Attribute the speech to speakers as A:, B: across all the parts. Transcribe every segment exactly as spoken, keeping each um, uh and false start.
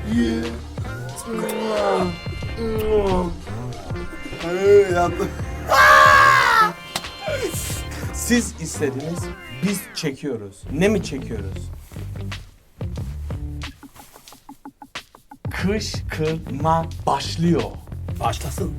A: Yattım.
B: Siz istediniz, biz çekiyoruz. Ne mi çekiyoruz? Kışkırtma başlıyor.
A: Başlasın.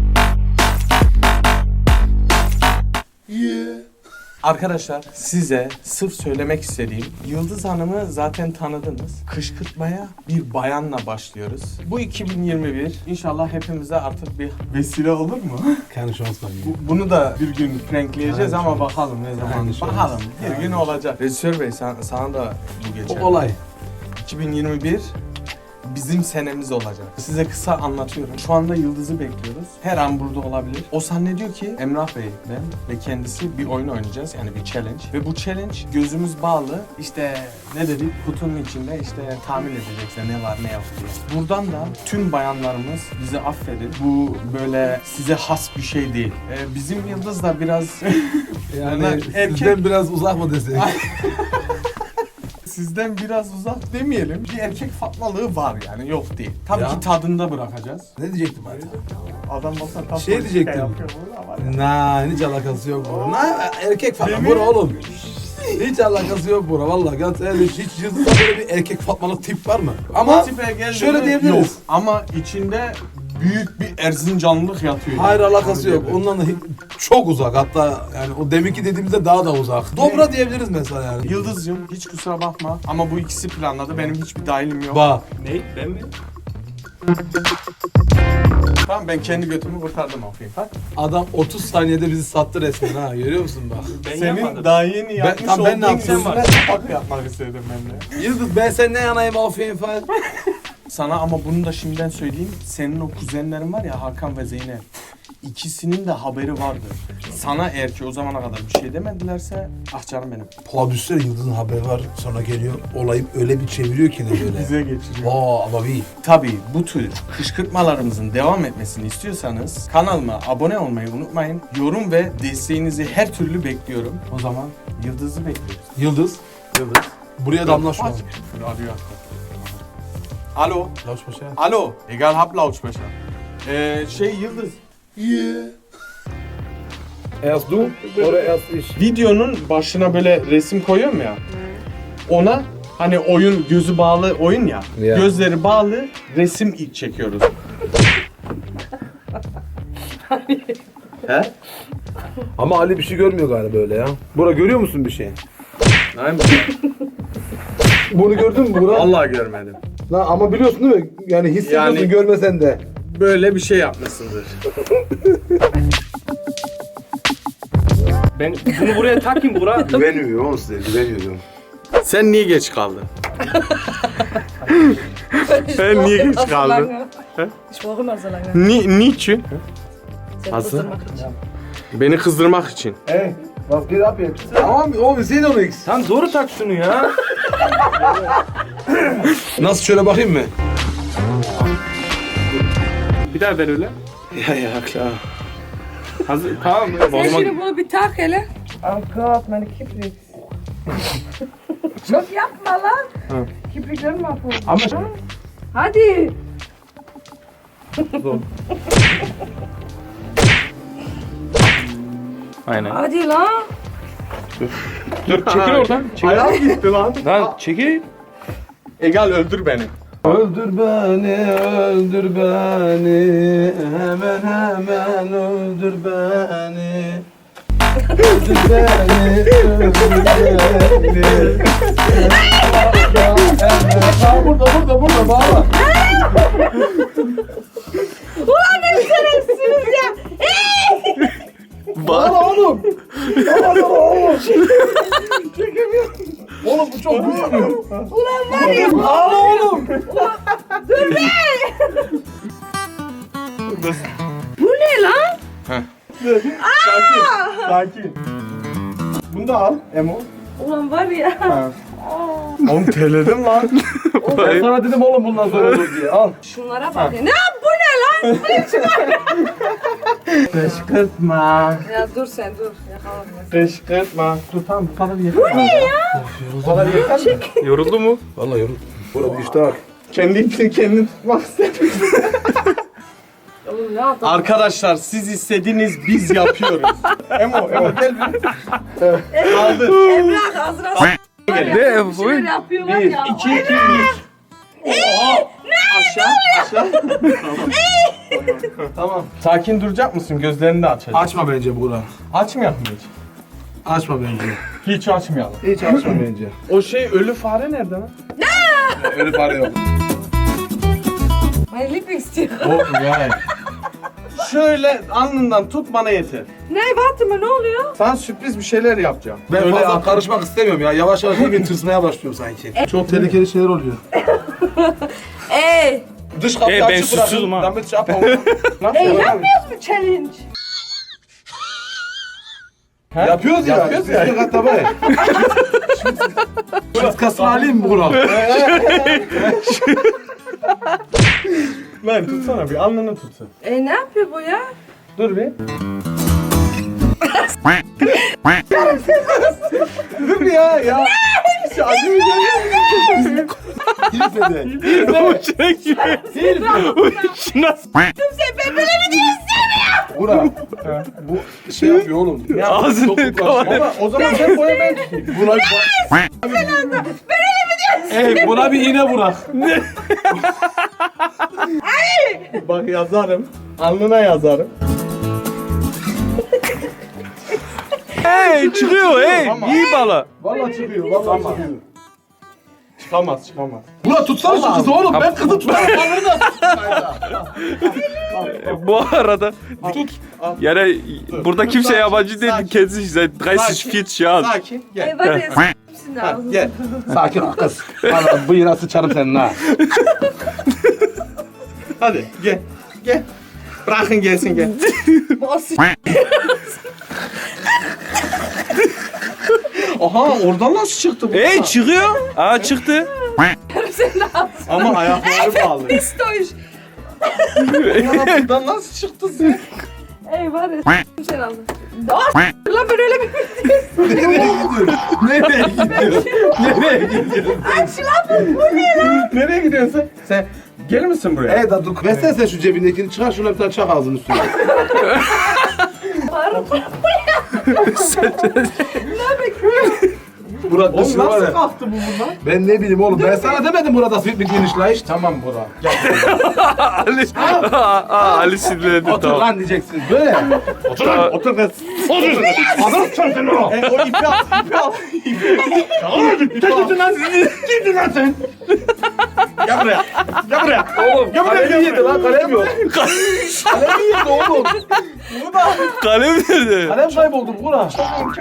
B: Arkadaşlar size sırf söylemek istediğim, Yıldız Hanım'ı zaten tanıdınız. Kışkırtmaya bir bayanla başlıyoruz. Bu iki bin yirmi bir inşallah hepimize artık bir vesile olur mu?
A: Keine Chance var.
B: Bu- Bunu da bir gün prankleyeceğiz
A: Aynen.
B: ama bakalım ne zaman.
A: Aynen.
B: Bakalım bir gün
A: Aynen.
B: olacak. Rejisör Bey sen, sana da bu geçer.
A: O olay.
B: iki bin yirmi bir bizim senemiz olacak. Size kısa anlatıyorum. Şu anda Yıldız'ı bekliyoruz. Her an burada olabilir. O zannediyor ki Emrah Bey, ben ve kendisi bir oyun oynayacağız. Yani bir challenge. Ve bu challenge gözümüz bağlı. İşte ne dedik? Kutunun içinde işte tahmin edecekse ne var ne yok diye. Buradan da tüm bayanlarımız bizi affedin. Bu böyle size has bir şey değil. Ee, bizim Yıldız da biraz
A: Yani
B: erkek-
A: sizden biraz uzak mı desek?
B: sizden biraz uzak demeyelim. Bir erkek fatmalığı var yani, yok değil. Tabii
A: Ya.
B: ki tadında bırakacağız.
A: Ne diyecektim hadi?
B: Adam olsa tam
A: Şey
B: politika
A: diyecektim.
B: yapıyor bunu ama-
A: Na, hiç alakası yok bura. Na, erkek falan
B: Değil mi?
A: bura oğlum. Hiç alakası yok bura vallahi. Gerçekten hiç Yıldız'da böyle bir erkek fatmalık tip var mı? Ama
B: O tipe geldi
A: şöyle
B: mi?
A: diyebiliriz.
B: Yok. Ama içinde büyük bir Erzincanlılık yatıyor.
A: hayır
B: yani.
A: alakası
B: Onu
A: yok.
B: diyebilirim.
A: Ondan da hiç- çok uzak. Hatta yani o deminki dediğimizde daha da uzak. Dobra diyebiliriz mesela yani.
B: Yıldız'cığım hiç kusura bakma ama bu ikisi planladı. Benim hiçbir dahilim yok.
A: Bak.
C: Ne? Ben mi?
B: Tamam, ben kendi götümü kurtardım okuyayım. Bak.
A: Adam otuz saniyede bizi sattı resmen ha. Görüyor musun bak.
C: Ben
B: Senin
C: yapmadım.
B: daha yeni yapmış
A: tam ben ne
B: olduğun
A: yaptım?
B: yüzüne kapak yapmak istedim ben de.
A: Yıldız ben seninle yanayım afiyet falan.
B: Sana ama bunu da şimdiden söyleyeyim. Senin o kuzenlerin var ya, Hakan ve Zeynep. İkisinin de haberi vardı. Sana eğer ki o zamana kadar bir şey demedilerse, ah canım benim.
A: Prodüser Yıldız'ın haberi var sonra geliyor. Olayı öyle bir çeviriyor ki ne böyle.
B: Bize geçiriyor.
A: Aa ama bir.
B: Tabii bu tür kışkırtmalarımızın devam etmesini istiyorsanız kanalıma abone olmayı unutmayın. Yorum ve desteğinizi her türlü bekliyorum. O zaman Yıldız'ı bekliyoruz.
A: Yıldız.
B: Yıldız.
A: Buraya damla şu an.
B: Aç. Arıyor. Alo.
A: Lautsprecher.
B: Alo. Egal hab Lautsprecher. Ee, şey Yıldız.
A: Erst du oder erst ich?
B: Videonun başına böyle resim koyuyorum ya. Ona hani oyun gözü bağlı oyun ya.
A: Ya.
B: Gözleri bağlı resim ilk çekiyoruz. He?
A: Ama Ali bir şey görmüyor galiba böyle ya. Bura görüyor musun bir şey?
B: Aynen.
A: Bunu gördün mü Bura?
B: Vallahi görmedim.
A: Lan ama biliyorsun değil mi? Yani hissediyorsun
B: Yani-
A: görmesen de.
B: Böyle bir şey yapmışsındır.
C: Ben bunu buraya takayım bura.
A: Güveniyorum oğlum size güveniyorum.
B: Sen niye geç kaldın? Sen niye geç kaldın?
D: Ich brauche immer so lange.
B: Ni niçin?
D: Sehr
B: Hast du?
D: kurz, dann mach ich.
B: Beni kızdırmak için.
A: Ey, was geht ab jetzt? Tamam oğlum wir sehen doch nichts.
C: Sen doğru tak şunu ya.
A: Nasıl şöyle bakayım mı?
C: Bir daha ver öyle.
A: Ya ya klar.
C: Hazır. Tamam. O
D: Sen
C: zaman
D: şimdi bunu bir tak hele. Oh Gott, meine Kippix. Çok yapma lan. Kippikleri mahvoldu.
C: Ama-
D: Hadi.
C: aynen.
D: Hadi lan.
C: Dur çekil oradan. Çekil.
B: Ayağım gitti lan.
C: Lan çekil.
B: Egal öldür beni.
A: Öldür beni, öldür beni, hemen hemen öldür beni. Öldür beni, öldür beni. Ha burada, burada, burada, bağla.
D: Ulan ne şerefsiniz ya.
A: Bağla oğlum. Bağla oğlum. Çekemiyorum. Oğlum bu çok güçlü.
D: Ulan var ya.
A: Bağla oğlum.
D: Dur be. Bu ne lan?
B: Sakin. Sakin. Bunu da al Emo.
D: Ulan var ya.
B: Oğlum terledim lan.
A: Ben sana dedim oğlum bundan sonra olur diye. Al.
D: Şunlara bak ya. Ne yap bu ne lan? Bu ne biçim var ya?
B: Kışkırtma.
D: Ya dur sen dur. Yakalama.
B: Kışkırtma. Dur tamam, bu kadar yeter. Bu ne ya? Bu kadar yeter mi?
C: Yoruldu mu?
A: Vallahi yorum. Burada bir iştah.
B: Kendi ipini kendin tutmak istedim.
D: Oğlum ne yaptın?
B: Arkadaşlar siz istediniz biz yapıyoruz. Emo, Emo gel bir. Kaldır.
D: Emrah ağzına s*** var ya.
C: Ne
D: Bir şeyler yapıyorlar
B: Bir,
D: ya.
B: iki, iki, bir. Oha! Aşağı, aşağı. Tamam. Sakin duracak mısın? Gözlerini de açacak.
A: Açma bence Buğra.
B: Açmayalım hiç.
A: Açma bence.
B: Hiç açmayalım.
A: Hiç açma bence.
B: O şey ölü fare nerede lan?
A: Öyle para yok.
D: Ben lip istiyor.
A: O yani.
B: Şöyle alnından tut bana yeter.
D: Ne Fatıma ne oluyor?
B: Sana sürpriz bir şeyler yapacağım.
A: Ben
B: Öyle
A: fazla
B: yap-
A: karışmak istemiyorum ya. Yavaş yavaş bir tırsmaya başlıyorum sanki. Çok tehlikeli şeyler oluyor.
D: Ey!
B: Dış kapıyı
C: Ee, ben
B: açık bırakın.
C: susuzum ha.
B: Damet yapma. Nasıl
D: Ey
B: yapalım?
D: yapmıyoruz mu challenge?
B: He?
A: Yapıyoruz ya.
B: Yapıyoruz ya.
A: Yapıyoruz ya. Tabii. Şut kasını alayım mı Buğra?
B: Lan tutsana bir alnını tutsun.
D: E ne yapıyor bu ya?
B: Dur bir. Dur bir ya ya. Şu acı
A: Hilfede.
C: O çekiyor. O işi nasıl?
D: Kimse ben böyle bir şey istemiyorum.
A: Buğra. Bu şey yapıyor oğlum.
B: Ya
C: Ağzını kapat.
B: Ama o zaman sen boya ben tutayım.
A: Buna Ey buna bir iğne bırak.
B: Bak yazarım. Alnına yazarım.
C: Hey çıkıyor hey.
B: Tamam.
C: İyi bala.
A: Vallahi çıkıyor. Vallahi çıkıyor.
B: Çıkamaz çıkamaz.
A: Buğra tutsana şu kızı oğlum. Ben kızı tutarım. Bana da
C: Bu arada
A: tut.
C: yani burada kimse
B: Sakin,
C: yabancı değil.
B: sakin.
C: Kendisi seit dreißig vierzig Jahren.
B: Sakin gel.
D: Ey var ya s***sin
B: Ha,
D: ağzını.
B: gel.
A: Sakin ol kız. Bana bıyığına sıçarım senin ha.
B: Hadi gel. Gel. Bırakın gelsin gel.
D: Bu o s***.
B: Aha oradan nasıl çıktı bu?
C: Hey çıkıyor. Aa çıktı.
D: Senin ağzını.
B: Ama ayakları bağlı.
D: Pistoş.
B: Ya buradan nasıl çıktı sen?
D: Ey var ya s***im senin ağzını. Aa s***, lan ben öyle bir
A: Nereye gidiyorsun? Nereye gidiyorsun?
D: aç lan bu ne lan?
B: Nereye gidiyorsun sen? Sen gelir misin buraya?
A: Ey da dur. Versene sen şu cebindekini çıkar şuna bir tane çak ağzının üstüne.
D: Ne bekliyorsun?
A: Burak
B: Oğlum
A: dışına var
B: nasıl
A: ya.
B: kalktı bu bundan?
A: Ben ne bileyim oğlum. Ben sana demedim burada sweet bir geniş la hiç.
B: Tamam Burak. Gel.
C: Ali. Aa, Ali sinirlendi
A: Otur
C: tamam.
A: lan diyeceksin. Böyle.
B: Otur lan. Otur kız. Otur.
A: Adam çarptın o.
B: E, o ipi al. İpi al. İpi al. Gidin lan. Gidin lan sen. Gel buraya. Gel buraya.
A: Oğlum
B: Gel buraya,
A: kalemi
B: gel
A: yedi
B: buraya.
A: lan kalem yok. Kalemi yedi oğlum.
C: Kalem nerede?
A: Kalem kayboldu Burak.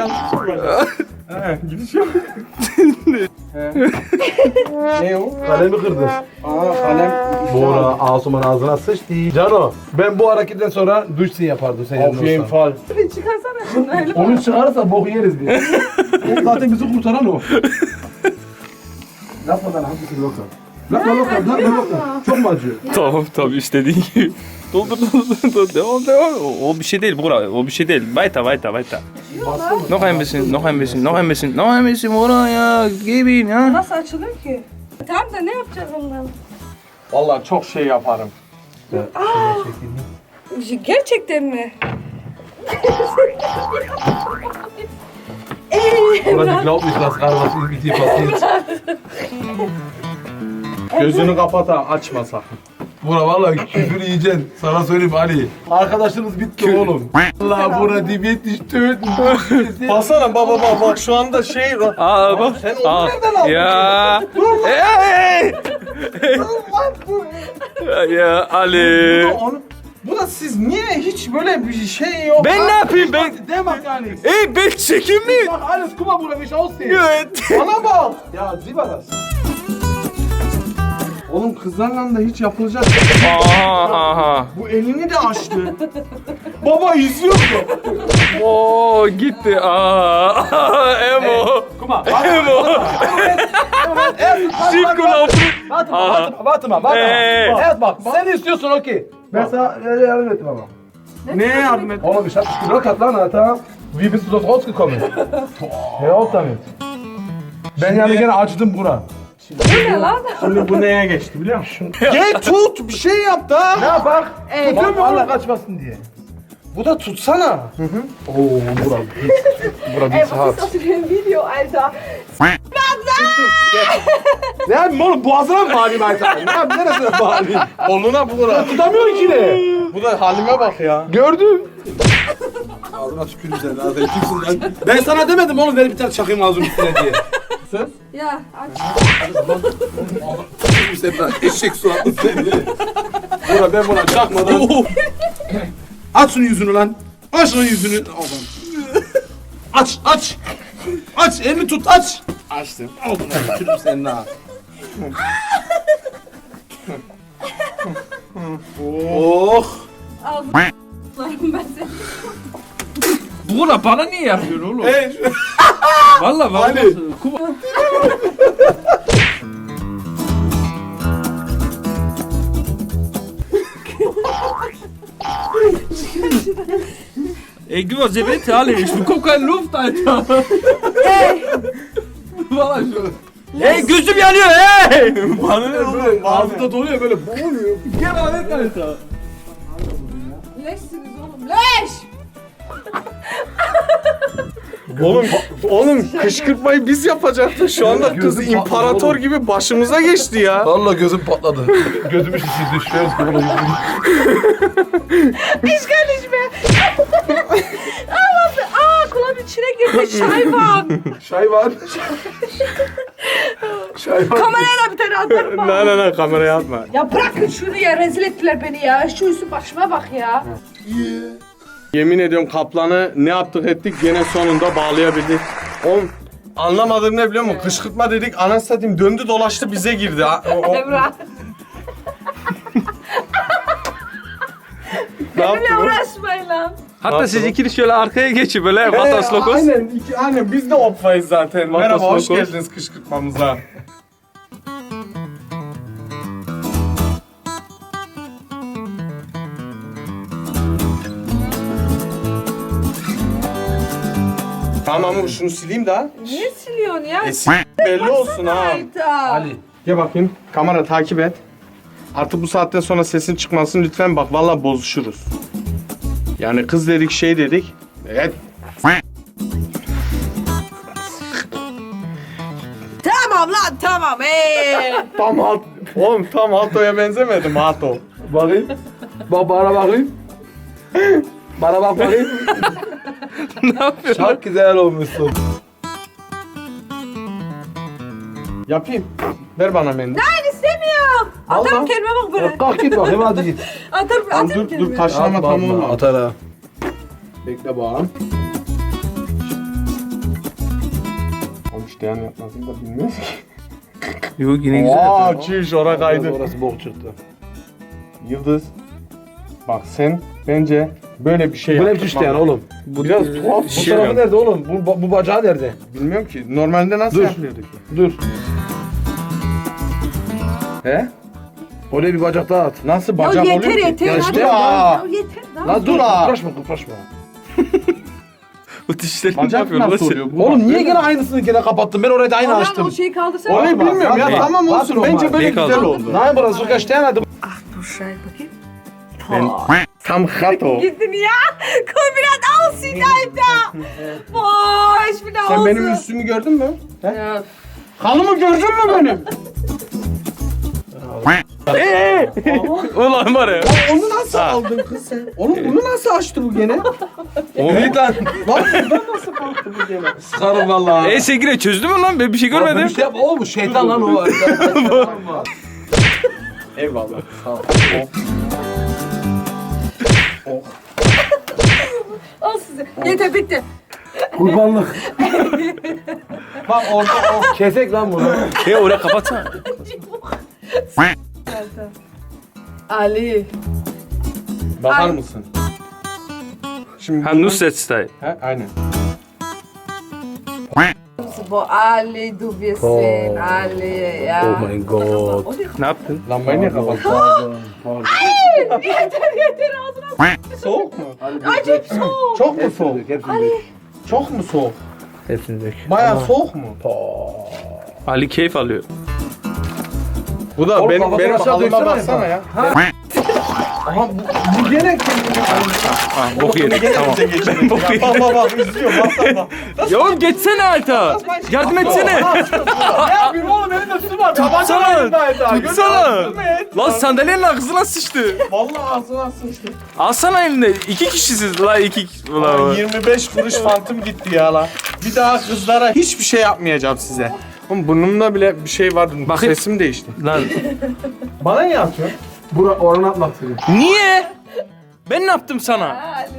B: He, gidiş yok. He. Ne o?
A: Kalemi kırdı.
B: Aa kalem.
A: Buğra Asuman ağzına sıçtı. Cano ben bu hareketten sonra duşsin yapardım senin
B: Afiyet
A: olsa.
B: fal.
D: Bir çıkarsana şunu öyle.
A: Onu çıkarırsa boku yeriz biz. O zaten bizi kurtaran o. Yapma lan hangisi loka? Lokma lokma lokma lokma. Çok mu acıyor?
C: Tamam tamam istediğin gibi. Doldur doldur doldur. Devam devam. O, o bir şey değil Burak. O bir şey değil. Weiter weiter weiter. Noch ein bisschen, noch ein bisschen, noch ein bisschen, noch ein bisschen Burak ya. Gib ihn ya.
D: Nasıl açılır ki? Tamam da ne yapacağız ondan?
B: Vallahi çok şey yaparım.
D: Gerçekten mi? Ey
A: Ona
D: Emrah.
A: die glaubt nicht, was gerade was mit dir passiert.
B: Gözünü kapat ha, açma sakın.
A: Bura vallahi küfür yiyeceksin. Sana söyleyeyim Ali. Arkadaşınız bitti oğlum. Allah bura dibet düştü.
B: Baksana baba baba bak şu anda şey...
C: Aa bak.
B: Sen onu
C: Aa.
B: nereden aldın?
C: Ya. Hey. Ya Ali.
B: Onu... Bu da siz niye hiç böyle bir şey yok?
C: Ben ne yapayım ben?
A: Der macht gar nichts.
C: Ey ben çekim mi?
A: Mach alles, guck mal, Bruder, wie ich aussehe.
C: Evet.
B: Bana bak.
A: Ja, sieh mal das.
B: Oğlum kızlarla da hiç yapılacak.
C: Aha aha.
B: Bu elini de açtı. Baba izliyor mu?
C: Oo gitti. Aa. Emo.
A: Guck mal.
C: Emo. Cinco laufen.
A: Warte mal,
C: Aha.
A: warte mal, warte mal, warte
C: Hey.
A: mal. Erst bak, sen istiyorsun okey. Ben sana e, yardım ettim ama.
B: Ne yardım et?
A: Oğlum ich hab dich gelockert lan Alter. Wie bist du dort rausgekommen? Hör auf damit. Ben yani gene acıdım buna.
D: Bu ne lan?
B: Şimdi bu neye geçti biliyor musun? Gel tut bir şey yap da.
A: Ne yapak?
D: Ey.
A: Tutuyor mu Allah kaçmasın diye.
B: Bu da tutsana.
A: Oo bura. Bura bir
D: Ey, was
A: saat.
D: ist das für ein Video, Alter?
A: Ne yapayım oğlum boğazına mı bağlayayım Aytan? Ne yapayım neresine bağlayayım?
B: Koluna bura.
A: Tutamıyor ki ne?
B: Bu da halime bak ya.
A: Gördüm. Ağzına tükürüm sen zaten kimsin lan? Ben sana demedim oğlum ver bir tane çakayım ağzının üstüne diye. Söz.
D: Ja, aç.
A: Sen lan eşek suratlı sen de. Bura ben buna çakmadan. Aç şunun yüzünü lan. Aç şunun yüzünü. Adam. Aç aç. Aç elini tut aç. Açtım. Al bunu tükürüm senin ha. Oh.
D: Ağzım ben seni.
C: Buğra bana niye yapıyorsun oğlum?
A: Hey.
C: Valla valla.
A: Ali.
C: Kuma- Ey, gib was bitte, Ali. Ich bekomme keine Luft, Alter.
D: Ey.
C: Valla şu. Ey, gözüm yanıyor, hey!
A: Bana ne oğlum? Ağzında doluyor böyle boğuluyor.
C: Gel alet, Alter.
D: Leşsiniz oğlum. Leş.
B: Oğlum, oğlum kışkırtmayı biz yapacaktık. Şu anda kız
A: Gözüm patladı
B: imparator
A: oğlum.
B: gibi başımıza geçti ya.
A: Vallahi gözüm patladı. Gözümü şişirdi. Şuraya sıkıldı.
D: Ich kann nicht mehr. Aa, aa kulağımın içine girdi. Şayvan.
A: Çay var. Çay var.
D: Kameraya da bir tane atarım.
B: Ne ne ne kameraya atma.
D: Ya bırakın şunu ya, rezil ettiler beni ya. Şu üstü başıma bak ya.
B: Yemin ediyorum kaplanı ne yaptık ettik gene sonunda bağlayabildik. Oğlum anlamadığım ne biliyor musun? Kışkırtma dedik anasını satayım döndü dolaştı bize girdi. Ha. O, o,
D: Emrah.
B: ne yaptı
D: Benimle
B: bu?
D: uğraşmayın lan.
C: Hatta siz ikili şöyle arkaya geçin böyle. Vatas Lokos.
B: Aynen, iki, aynen biz de opfayız zaten.
C: Vatas
B: Merhaba hoş
C: Lokos.
B: geldiniz kışkırtmamıza. Tamam ama şunu sileyim daha.
D: Niye siliyorsun ya?
B: E, s- belli olsun ha.
D: Hayda.
A: Ali.
B: Gel bakayım. Kamera takip et. Artık bu saatten sonra sesin çıkmasın lütfen bak vallahi bozuşuruz. Yani kız dedik şey dedik. Evet.
D: Tamam lan tamam. Ee.
B: Tam hat. Oğlum tam Hato'ya benzemedim Hato.
A: Bakayım. Bak bana bakayım. Bana bak bakayım.
C: Ne yapıyorsun?
A: Çok güzel olmuşsun.
B: Yapayım. Ver bana mendil.
D: Ben istemiyorum. Atarım
B: Allah.
D: kendime bak böyle.
A: Kalk git bakayım hadi git.
D: Atarım,
B: Tamam,
D: atarım
B: dur
D: kendime.
B: dur taşlama tam olma.
A: Atar ha. Bekle bakalım.
B: Oğlum işte yani yapmasını da bilmiyoruz ki.
C: Yok yine güzel.
B: Aa çiş ora kaydı.
A: Orası bok çıktı.
B: Yıldız. Bak sen bence böyle bir şey
A: Bu ne
B: yap.
A: biçim işte yani oğlum?
B: Bu biraz tuhaf bir
A: Bu
B: şey.
A: tarafı nerede oğlum? Bu, bu bacağı nerede?
B: Bilmiyorum ki. Normalde nasıl
A: Dur.
B: yapıyorduk?
A: Dur. He? Oraya bir bacak daha at.
B: Nasıl
D: Ya
B: bacak
D: yeter
B: oluyor ki?
D: yeter.
A: Ya
D: hadi
A: işte
D: ya.
B: aa.
D: Ya yeter. Daha
A: Lan dur
B: dur ha.
A: kıpraşma kıpraşma.
C: Bu dişlerini ne
B: Bacak
C: yapıyorsun?
B: nasıl
C: lan
B: oluyor?
C: sen?
B: Bu
A: Oğlum
B: bak,
A: niye
B: böyle-
A: gene aynısını gene kapattın? Ben orayı da aynı
D: Orhan,
A: açtım.
D: o şeyi kaldırsana.
B: Orayı
A: Bak,
B: bilmiyorum ya.
A: bak,
B: Tamam
A: bak,
B: olsun.
A: bak,
B: Bence
A: bak.
B: böyle
C: Ne
B: güzel
C: kaldı?
B: oldu.
A: Nein burası çok kaçtı yani.
D: Ah dur şuraya bakayım.
C: Ben-
B: Tam Hato.
D: Gittin ya. Komm wieder aussehen, Alter. Boah, ich bin nach
B: Sen
D: Hause.
B: benim üstümü gördün mü? He?
D: Ja.
B: Halımı gördün mü benim?
C: Eee! Ulan var ya.
B: Onu nasıl aldın kız sen? Oğlum bunu nasıl açtı bu gene?
A: Git lan.
B: Lan buradan nasıl kalktı bu gene?
A: Sıkarım valla.
C: E sen yine çözdün mü lan? Ben bir şey görmedim.
A: Bir şey yapma oğlum şeytan lan o.
B: Eyvallah. Sağ ol.
D: Al size. Yeter bitti.
A: Kurbanlık.
B: Bak orada o.
A: Kesek lan bunu.
C: E oraya kapatsana.
D: Alter. Ali.
B: Bakar
D: Ay.
B: mısın? Şimdi
C: Ha Nusret Style.
B: He, aynen.
D: Boah, Ali, du wirst sehen. Ali, ja.
A: Oh mein Gott.
C: Ne yaptın?
B: Lambayı niye kapattın?
A: Pardon. Pardon.
D: Yeter yeter ağzına.
B: Soğuk mu?
D: Acayip soğuk.
B: Çok mu
A: Hepsini
B: soğuk?
A: dök, hepsini
D: Ali.
A: dök.
B: Çok mu soğuk?
A: Hepsini dök.
B: Bayağı soğuk mu?
C: Ali keyif alıyor.
B: Bu da
A: Oğlum,
B: benim
A: kafasını
B: benim
A: aşağı
B: halıma
A: döksene
B: baksana
A: bak.
B: ya. Aha bu, bu gene kendini
C: Ha, bok yedik tamam. Ben bok yedim.
B: Bak bak bak izliyor bak bak bak.
C: Ya oğlum geçsene Ayta. Yardım etsene.
B: Ne yapayım oğlum elimde su var.
C: Tutsana. Tutsana.
B: Tutsana.
C: Lan sandalyenin arkasına sıçtı.
B: Vallahi ağzına sıçtı.
C: Alsana elinde. İki kişisiz la iki kişi. Ulan.
B: yirmi beş kuruş fantım gitti ya la. Bir daha kızlara hiçbir şey yapmayacağım size. Oğlum burnumda bile bir şey vardı.
C: Bakayım.
B: Sesim değişti.
C: Lan
B: Bana niye atıyorsun?
A: Bura oranı atmak istedim.
C: niye? Ben ne yaptım sana?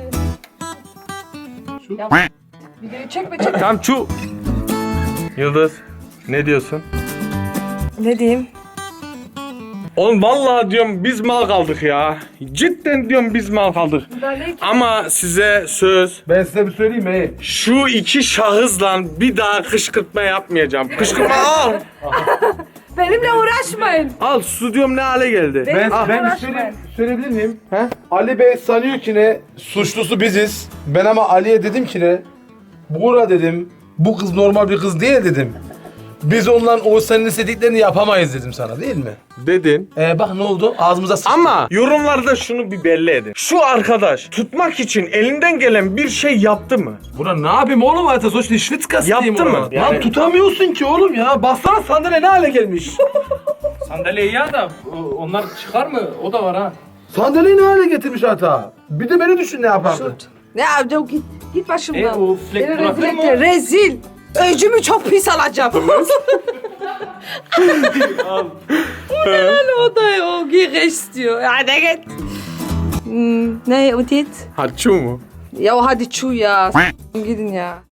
D: Videoyu çekme çekme.
C: Tamam şu. Yıldız ne diyorsun?
D: Ne diyeyim?
B: Oğlum vallahi diyorum biz mal kaldık ya. Cidden diyorum biz mal kaldık. Ama size söz,
A: Ben size bir söyleyeyim mi?
B: şu iki şahısla bir daha kışkırtma yapmayacağım. Kışkırtma al.
D: Benimle uğraşmayın.
B: Al stüdyom ne hale geldi.
A: Ben,
D: Benimle
A: ben bir
D: uğraşmayın.
A: söyleyeyim, söyleyebilir miyim? He? Ali Bey sanıyor ki ne? Suçlusu biziz. Ben ama Ali'ye dedim ki ne? Buğra dedim. Bu kız normal bir kız değil dedim. Biz ondan o senin istediklerini yapamayız dedim sana değil mi?
B: Dedin.
A: Ee bak ne oldu? Ağzımıza sıçtı.
B: Ama yorumlarda şunu bir belli edin. Şu arkadaş tutmak için elinden gelen bir şey yaptı mı?
A: Buna ne yapayım oğlum hayata sonuçta şvitz
B: Yaptı mı? Yani-
A: Lan tutamıyorsun ki oğlum ya. Baksana sandalye ne hale gelmiş.
C: Sandalyeyi ya da onlar çıkar mı? O da var ha.
A: Sandalyeyi ne hale getirmiş hata. Bir de beni düşün ne yapardı.
D: Ne yapacağım git. Git başımdan.
C: E, o flek
D: Beni
C: bırakır
D: rezil
C: mı?
D: etti. Rezil. Öcümü çok pis alacağım. Yani o da o giy istiyor. Hadi git. Hmm, ne o dit?
B: Haçu mu?
D: Ya hadi çu ya. Gidin ya.